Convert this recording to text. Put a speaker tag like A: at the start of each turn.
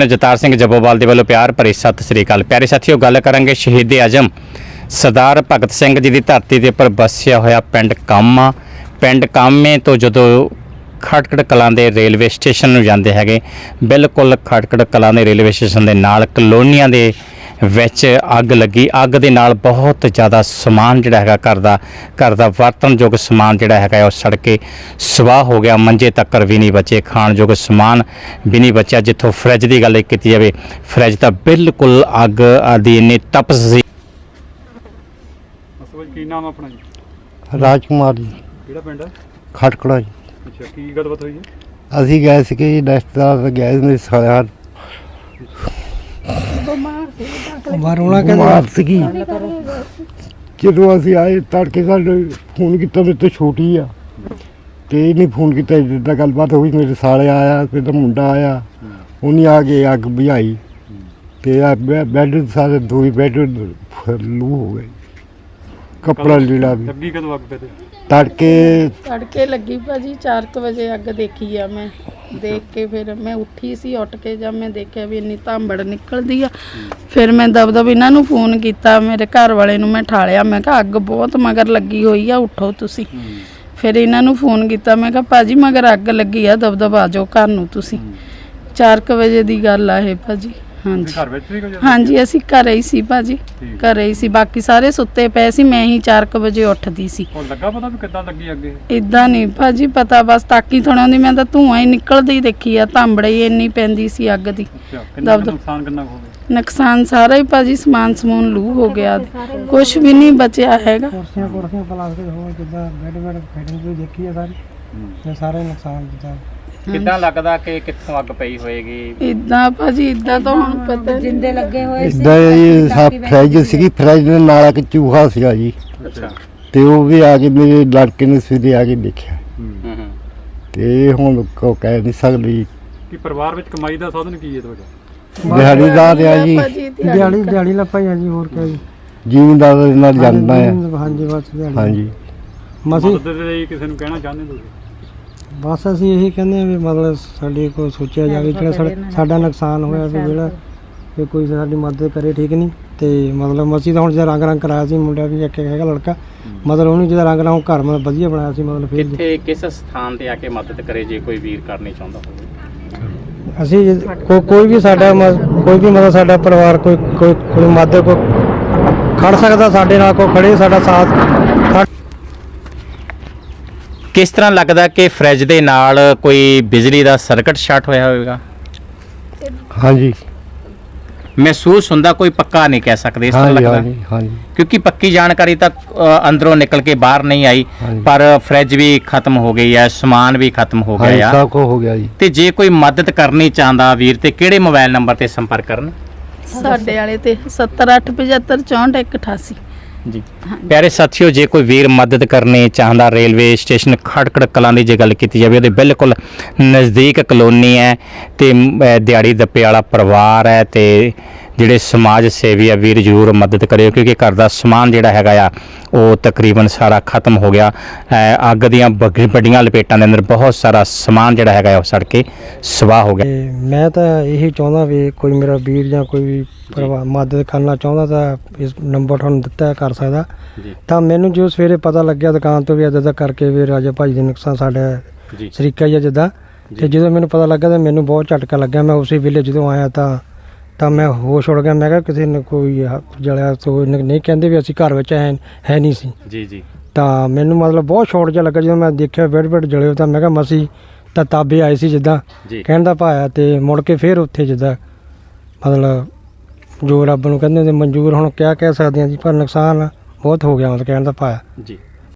A: Captain ਜਤਾਰ Singh Jabbowal ਦੇ ਵੱਲੋਂ ਪਿਆਰ ਭਰੀ ਸਤਿ ਸ੍ਰੀ ਅਕਾਲ। ਪਿਆਰੇ ਸਾਥੀਓ, ਗੱਲ ਕਰਾਂਗੇ ਸ਼ਹੀਦ ਆਜ਼ਮ ਸਰਦਾਰ ਭਗਤ ਸਿੰਘ ਜੀ ਦੀ ਧਰਤੀ ਦੇ ਉੱਪਰ ਵਸਿਆ ਹੋਇਆ ਪਿੰਡ ਕਾਮਾ। ਪਿੰਡ ਕਾਮੇ ਤੋਂ ਜਦੋਂ ਖਟਕੜ ਕਲਾਂ ਦੇ ਰੇਲਵੇ ਸਟੇਸ਼ਨ ਨੂੰ ਜਾਂਦੇ ਹੈਗੇ, ਬਿਲਕੁਲ ਖਟਕੜ ਕਲਾਂ ਦੇ ਰੇਲਵੇ ਸਟੇਸ਼ਨ ਦੇ ਨਾਲ ਕਲੋਨੀਆਂ ਦੇ ਵਿੱਚ ਅੱਗ ਲੱਗੀ। ਅੱਗ ਦੇ ਨਾਲ ਬਹੁਤ ਜ਼ਿਆਦਾ ਸਮਾਨ ਜਿਹੜਾ ਹੈਗਾ ਘਰ ਦਾ ਵਰਤਨਯੋਗ ਸਮਾਨ ਜਿਹੜਾ ਹੈਗਾ ਉਹ ਸੜ ਕੇ ਸਵਾਹ ਹੋ ਗਿਆ। ਮੰਜੇ ਤੱਕਰ ਵੀ ਨਹੀਂ ਬਚੇ, ਖਾਣਯੋਗ ਸਮਾਨ ਵੀ ਨਹੀਂ ਬਚਿਆ। ਜਿੱਥੋਂ ਫਰਿੱਜ ਦੀ ਗੱਲ ਕੀਤੀ ਜਾਵੇ, ਫਰਿੱਜ ਤਾਂ ਬਿਲਕੁਲ ਅੱਗ ਦੀ ਇੰਨੀ ਤਪਸ਼ ਸੀ।
B: ਕੀ ਨਾਮ ਆਪਣਾ ਜੀ?
C: ਰਾਜ ਕੁਮਾਰ ਜੀ।
B: ਕਿਹੜਾ ਪਿੰਡ ਹੈ?
C: ਖਟਕੜਾ ਜੀ।
B: ਅੱਛਾ, ਕੀ ਗੱਲਬਾਤ ਹੋਈ ਹੈ?
C: ਅਸੀਂ ਗਏ ਸੀਗੇ ਜੀ, ਰਿਸ਼ਤੇਦਾਰ ਗਏ ਮੇਰੇ ਸਾਲਿਆਂ ਬਿਮਾਰ ਸੀਗੀ। ਜਦੋਂ ਅਸੀਂ ਆਏ ਤੜਕੇ ਸਾਡੇ ਫੋਨ ਕੀਤਾ, ਮੇਰੇ ਤੋਂ ਛੋਟੀ ਆ ਤੇ ਇਹਨੇ ਫੋਨ ਕੀਤਾ, ਜਿੱਦਾਂ ਗੱਲਬਾਤ ਹੋਈ। ਮੇਰੇ ਸਾਲੇ ਆਇਆ, ਫਿਰ ਤਾਂ ਮੁੰਡਾ ਆਇਆ, ਉਹਨੇ ਆ ਕੇ ਅੱਗ ਬੁਝਾਈ ਤੇ ਬੈੱਡ ਸਾਰੇ ਦੋ ਹੀ ਬੈੱਡ ਲੂ ਹੋ ਗਏ। ਕੱਪੜਾ ਲੀੜਾ ਵੀ
B: ਲੱਗੀ ਕਦੋਂ ਅੱਗ? ਪੈ
C: ਤੜਕੇ
D: ਲੱਗੀ ਭਾਜੀ 4 ਵਜੇ ਅੱਗ ਦੇਖੀ ਆ ਮੈਂ। ਦੇਖ ਕੇ ਫਿਰ ਮੈਂ ਉੱਠੀ ਸੀ, ਉੱਠ ਕੇ ਜਦ ਮੈਂ ਦੇਖਿਆ ਵੀ ਇੰਨੀ ਧਾਂਬੜ ਨਿਕਲਦੀ ਆ, ਫਿਰ ਮੈਂ ਦਬ ਇਹਨਾਂ ਨੂੰ ਫੋਨ ਕੀਤਾ, ਮੇਰੇ ਘਰ ਵਾਲੇ ਨੂੰ ਮੈਂ ਠਾਲਿਆ। ਮੈਂ ਕਿਹਾ ਅੱਗ ਬਹੁਤ ਮਗਰ ਲੱਗੀ ਹੋਈ ਆ, ਉੱਠੋ ਤੁਸੀਂ। ਫਿਰ ਇਹਨਾਂ ਨੂੰ ਫੋਨ ਕੀਤਾ, ਮੈਂ ਕਿਹਾ ਭਾਜੀ ਮਗਰ ਅੱਗ ਲੱਗੀ ਆ, ਦਬ ਆ ਜਾਓ ਘਰ ਨੂੰ ਤੁਸੀਂ। 4 ਵਜੇ ਦੀ ਗੱਲ ਆ ਇਹ ਭਾਜੀ। ਹਾਂਜੀ
B: ਘਰ ਵਿੱਚ ਸੀ?
D: ਹਾਂਜੀ, ਅਸੀਂ ਘਰੇ ਹੀ ਸੀ ਭਾਜੀ, ਘਰੇ ਹੀ ਸੀ। ਬਾਕੀ ਸਾਰੇ ਸੁੱਤੇ ਪਏ ਸੀ, ਮੈਂ ਹੀ 4 ਵਜੇ ਉੱਠਦੀ ਸੀ।
B: ਉਹ ਲੱਗਾ ਪਤਾ ਵੀ ਕਿੱਦਾਂ ਲੱਗੀ ਅੱਗੇ?
D: ਇਦਾਂ ਨਹੀਂ ਭਾਜੀ ਪਤਾ, ਬਸ ਤਾਕੀ ਥੋੜ੍ਹਾ ਦੀ ਮੈਂ ਤਾਂ ਧੂੰਆਂ ਹੀ ਨਿਕਲਦੀ ਦੇਖੀ ਆ, ਧਾਂਬੜੇ ਹੀ ਇੰਨੀ ਪੈਂਦੀ ਸੀ ਅੱਗ ਦੀ।
B: ਨੁਕਸਾਨ ਕਿੰਨਾ ਹੋ ਗਿਆ?
D: ਨੁਕਸਾਨ ਸਾਰਾ ਹੀ ਭਾਜੀ, ਸਮਾਨ ਸਮੂਨ ਲੂ ਹੋ ਗਿਆ, ਕੁਝ ਵੀ ਨਹੀਂ ਬਚਿਆ ਹੈਗਾ।
E: ਕੁਰਸੀਆਂ ਪਲਾਸਟਿਕ ਹੋ ਜਿੱਦਾਂ ਬੈੱਡ ਫੈਟਿੰਗ ਕੋਈ ਦੇਖੀ ਆ ਸਾਰੀ, ਸਾਰੇ ਨੁਕਸਾਨ ਦਿੱਤਾ।
A: ਕਿੱਦਾਂ ਲੱਗਦਾ ਕਿ ਕਿੱਥੋਂ ਅੱਗ ਪਈ ਹੋਏਗੀ?
D: ਇਦਾਂ ਭਾਜੀ, ਇਦਾਂ ਤਾਂ ਹੁਣ ਪਤਾ ਜਿੰਦੇ ਲੱਗੇ ਹੋਏ ਸੀ।
C: ਇਦਾਂ ਜੀ ਫਰਿੱਜ ਸੀਗੀ, ਫਰਿੱਜ ਦੇ ਨਾਲ ਇੱਕ ਚੂਹਾ ਸੀਗਾ ਜੀ।
A: ਅੱਛਾ।
C: ਤੇ ਉਹ ਵੀ ਆ ਕੇ ਮੇਰੇ ਲੜਕੇ ਨੇ ਸਵੇਰੇ ਆ ਕੇ ਦੇਖਿਆ ਤੇ ਹੁਣ ਕੋ ਕਹਿ ਨਹੀਂ ਸਕਦੀ।
B: ਕਿ ਪਰਿਵਾਰ ਵਿੱਚ ਕਮਾਈ ਦਾ ਸਾਧਨ ਕੀ ਹੈ ਤੁਹਾਡਾ?
C: ਦਿਹਾੜੀਦਾਰ ਆ ਜੀ,
E: ਦਿਹਾੜੀ ਲੱਪਾਈ ਆ ਜੀ, ਹੋਰ ਕਿਆ ਜੀ।
C: ਜ਼ਿਮੀਂਦਾਰ ਦੇ ਨਾਲ ਜਾਂਦਾ ਆ।
E: ਹਾਂਜੀ ਬਸ ਦਿਹਾੜੀ।
C: ਹਾਂਜੀ,
B: ਮਦਦ ਦੇ ਲਈ ਕਿਸੇ ਨੂੰ ਕਹਿਣਾ ਚਾਹੁੰਦੇ ਤੁਸੀਂ?
E: ਬਸ ਅਸੀਂ ਇਹੀ ਕਹਿੰਦੇ ਹਾਂ ਵੀ ਮਤਲਬ ਸਾਡੇ ਕੋਲ ਸੋਚਿਆ ਜਾਵੇ, ਜਿਹੜਾ ਸਾਡਾ ਨੁਕਸਾਨ ਹੋਇਆ ਵੀ ਜਿਹੜਾ ਵੀ ਕੋਈ ਸਾਡੀ ਮਦਦ ਕਰੇ, ਠੀਕ ਨਹੀਂ। ਤੇ ਮਤਲਬ ਅਸੀਂ ਤਾਂ ਹੁਣ ਜਿਹੜਾ ਰੰਗ ਕਰਾਇਆ ਸੀ, ਮੁੰਡਾ ਵੀ ਇੱਕ ਹੈਗਾ ਲੜਕਾ, ਮਤਲਬ ਉਹਨੂੰ ਜਿਹੜਾ ਰੰਗ ਘਰ ਮਤਲਬ ਵਧੀਆ ਬਣਾਇਆ ਸੀ। ਮਤਲਬ ਫਿਰ
A: ਕਿੱਥੇ ਕਿਸ ਸਥਾਨ ਤੇ ਆ ਕੇ ਮਦਦ ਕਰੇ ਜੇ ਕੋਈ ਵੀਰ ਕਰਨੀ ਚਾਹੁੰਦਾ ਹੋਵੇ?
E: ਅਸੀਂ ਕੋਈ ਵੀ ਸਾਡਾ ਕੋਈ ਵੀ ਮਤਲਬ ਸਾਡਾ ਪਰਿਵਾਰ ਕੋਈ ਮਦਦ ਕੋ ਖੜ ਸਕਦਾ ਸਾਡੇ ਨਾਲ, ਕੋਈ ਖੜੇ ਸਾਡਾ ਸਾਥ।
A: ਕਿਸ ਤਰ੍ਹਾਂ ਲੱਗਦਾ ਕਿ ਫਰਿੱਜ ਦੇ ਨਾਲ ਕੋਈ ਬਿਜਲੀ ਦਾ ਸਰਕਟ ਸ਼ਾਰਟ ਹੋਇਆ ਹੋਵੇਗਾ?
C: ਹਾਂਜੀ
A: ਮਹਿਸੂਸ ਹੁੰਦਾ, ਕੋਈ ਪੱਕਾ ਨਹੀਂ ਕਹਿ ਸਕਦੇ ਇਸ ਤਰ੍ਹਾਂ ਲੱਗਦਾ,
C: ਹਾਂਜੀ।
A: ਕਿਉਂਕਿ ਪੱਕੀ ਜਾਣਕਾਰੀ ਤਾਂ ਅੰਦਰੋਂ ਨਿਕਲ ਕੇ ਬਾਹਰ ਨਹੀਂ ਆਈ, ਪਰ ਫਰਿੱਜ ਵੀ ਖਤਮ ਹੋ ਗਈ ਹੈ, ਸਮਾਨ ਵੀ ਖਤਮ ਹੋ ਗਿਆ ਆ,
C: ਸਭ ਕੁਝ ਹੋ ਗਿਆ ਜੀ।
A: ਤੇ ਜੇ ਕੋਈ ਮਦਦ ਕਰਨੀ ਚਾਹੁੰਦਾ ਵੀਰ, ਤੇ ਕਿਹੜੇ ਮੋਬਾਈਲ ਨੰਬਰ ਤੇ ਸੰਪਰਕ ਕਰਨ?
D: ਸਾਡੇ ਵਾਲੇ ਤੇ 7875741188
A: ਜੀ। ਪਿਆਰੇ ਸਾਥੀਓ, ਜੇ ਕੋਈ ਵੀਰ ਮਦਦ ਕਰਨੀ ਚਾਹੁੰਦਾ, ਰੇਲਵੇ ਸਟੇਸ਼ਨ ਖਟਕੜ ਕਲਾਂ ਦੀ ਜੇ ਗੱਲ ਕੀਤੀ ਜਾਵੇ, ਉਹਦੇ ਬਿਲਕੁਲ ਨਜ਼ਦੀਕ ਕਲੋਨੀ ਹੈ ਤੇ ਦਿਹਾੜੀ ਦੱਪੇ ਵਾਲਾ ਪਰਿਵਾਰ ਹੈ, ਤੇ ਜਿਹੜੇ ਸਮਾਜ ਸੇਵੀ ਆ ਵੀਰ ਜ਼ਰੂਰ ਮਦਦ ਕਰਿਓ, ਕਿਉਂਕਿ ਘਰ ਦਾ ਸਮਾਨ ਜਿਹੜਾ ਹੈਗਾ ਆ ਉਹ ਤਕਰੀਬਨ ਸਾਰਾ ਖਤਮ ਹੋ ਗਿਆ। ਅੱਗ ਦੀਆਂ ਵੱਡੀਆਂ ਲਪੇਟਾਂ ਦੇ ਅੰਦਰ ਬਹੁਤ ਸਾਰਾ ਸਮਾਨ ਜਿਹੜਾ ਹੈਗਾ ਉਹ ਸੜ ਕੇ ਸਵਾਹ ਹੋ ਗਿਆ।
E: ਮੈਂ ਤਾਂ ਇਹੀ ਚਾਹੁੰਦਾ ਵੀ ਕੋਈ ਮੇਰਾ ਵੀਰ ਜਾਂ ਕੋਈ ਵੀ ਪਰਿਵਾਰ ਮਦਦ ਕਰਨਾ ਚਾਹੁੰਦਾ ਤਾਂ ਇਸ ਨੰਬਰ ਤੁਹਾਨੂੰ ਦਿੱਤਾ ਕਰ ਸਕਦਾ। ਤਾਂ ਮੈਨੂੰ ਜੋ ਸਵੇਰੇ ਪਤਾ ਲੱਗਿਆ ਦੁਕਾਨ ਤੋਂ ਵੀ ਇੱਦਾਂ ਕਰਕੇ ਵੀ ਰਾਜਾ ਭਾਜੀ ਦੇ ਨੁਕਸਾਨ ਸਾਡਾ ਸ਼ਰੀਕਾ ਹੀ ਆ ਜਿੱਦਾਂ, ਤੇ ਜਦੋਂ ਮੈਨੂੰ ਪਤਾ ਲੱਗਾ ਤਾਂ ਮੈਨੂੰ ਬਹੁਤ ਝਟਕਾ ਲੱਗਿਆ। ਮੈਂ ਉਸੇ ਵੇਲੇ ਜਦੋਂ ਆਇਆ ਤਾਂ ਮੈਂ ਹੋਸ਼ ਉੜ ਗਿਆ। ਮੈਂ ਕਿਹਾ ਕਿਸੇ ਨੇ ਕੋਈ ਜਲਿਆ ਤੋਂ ਨਹੀਂ, ਕਹਿੰਦੇ ਵੀ ਅਸੀਂ ਘਰ ਵਿੱਚ ਹੈ ਨਹੀਂ ਸੀ
A: ਜੀ।
E: ਤਾਂ ਮੈਨੂੰ ਮਤਲਬ ਬਹੁਤ ਸ਼ੌਟ ਜਿਹਾ ਲੱਗਾ ਜਦੋਂ ਮੈਂ ਦੇਖਿਆ ਬੈੱਡ ਜਲੇ। ਤਾਂ ਮੈਂ ਕਿਹਾ ਮਸੀਂ ਤਾਂ ਤਾਬੇ ਆਏ ਸੀ ਜਿੱਦਾਂ ਕਹਿਣ ਦਾ ਭਾਇਆ, ਤੇ ਮੁੜ ਕੇ ਫਿਰ ਉੱਥੇ ਜਿੱਦਾਂ ਮਤਲਬ ਜੋ ਰੱਬ ਨੂੰ ਕਹਿੰਦੇ ਹੁੰਦੇ ਮਨਜ਼ੂਰ। ਹੁਣ ਕਿਆ ਕਹਿ ਸਕਦੇ ਹਾਂ ਜੀ, ਪਰ ਨੁਕਸਾਨ ਬਹੁਤ ਹੋ ਗਿਆ ਮਤਲਬ ਕਹਿਣ ਦਾ ਭਾਇਆ।
A: ਜੀ।